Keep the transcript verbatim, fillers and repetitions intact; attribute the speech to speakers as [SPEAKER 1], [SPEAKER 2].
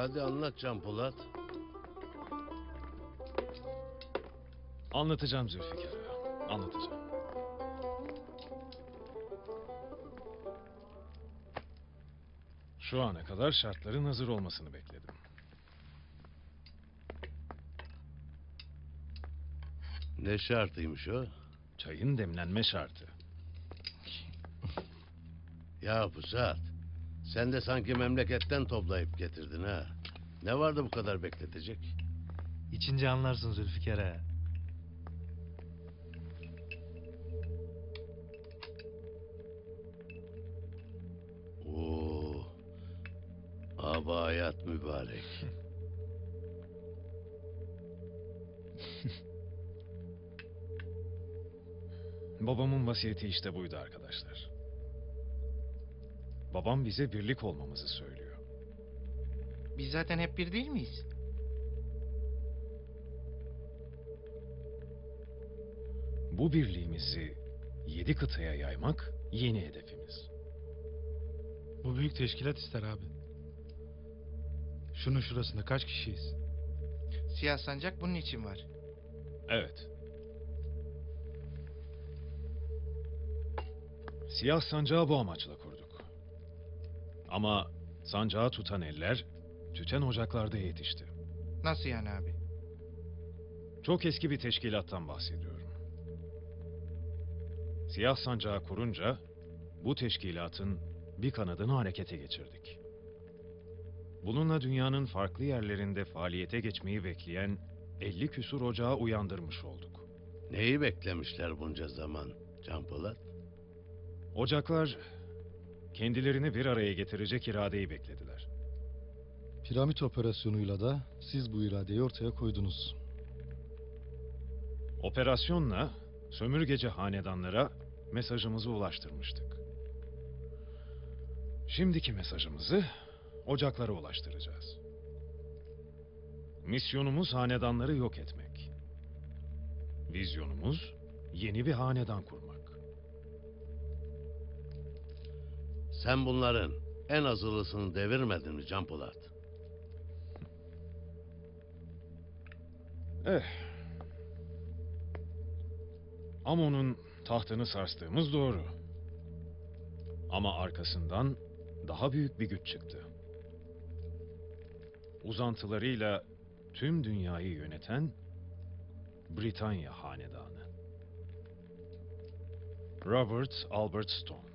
[SPEAKER 1] Hadi anlat Can Polat.
[SPEAKER 2] Anlatacağım Zülfikar Ağa, anlatacağım. Şu ana kadar şartların hazır olmasını bekledim.
[SPEAKER 1] Ne şartıymış o?
[SPEAKER 2] Çayın demlenme şartı.
[SPEAKER 1] Ya Pusat, sen de sanki memleketten toplayıp getirdin ha. Ne vardı bu kadar bekletecek?
[SPEAKER 3] İçince anlarsın Zülfikar ağa.
[SPEAKER 1] Oo, abayat mübarek.
[SPEAKER 2] Babamın vasiyeti işte buydu arkadaşlar. Babam bize birlik olmamızı söylüyor.
[SPEAKER 4] Biz zaten hep bir değil miyiz?
[SPEAKER 2] Bu birliğimizi yedi kıtaya yaymak yeni hedefimiz.
[SPEAKER 3] Bu büyük teşkilat ister abi. Şunun şurasında kaç kişiyiz?
[SPEAKER 4] Siyah sancak bunun için var.
[SPEAKER 2] Evet. Siyah sancağı bu amaçla kurduk. Ama sancağı tutan eller tüten ocaklarda yetişti.
[SPEAKER 4] Nasıl yani abi?
[SPEAKER 2] Çok eski bir teşkilattan bahsediyorum. Siyah sancağı kurunca bu teşkilatın bir kanadını harekete geçirdik. Bununla dünyanın farklı yerlerinde faaliyete geçmeyi bekleyen elli küsur ocağı uyandırmış olduk.
[SPEAKER 1] Neyi beklemişler bunca zaman Can Polat?
[SPEAKER 2] Ocaklar kendilerini bir araya getirecek iradeyi beklediler.
[SPEAKER 5] Piramit operasyonuyla da siz bu iradeyi ortaya koydunuz.
[SPEAKER 2] Operasyonla sömürgeci hanedanlara mesajımızı ulaştırmıştık. Şimdiki mesajımızı ocaklara ulaştıracağız. Misyonumuz hanedanları yok etmek. Vizyonumuz yeni bir hanedan kurmak.
[SPEAKER 1] Sen bunların en azılısını devirmedin mi Can Polat?
[SPEAKER 2] Eh. Amon'un tahtını sarstığımız doğru. Ama arkasından daha büyük bir güç çıktı. Uzantılarıyla tüm dünyayı yöneten Britanya Hanedanı. Robert Albert Stone.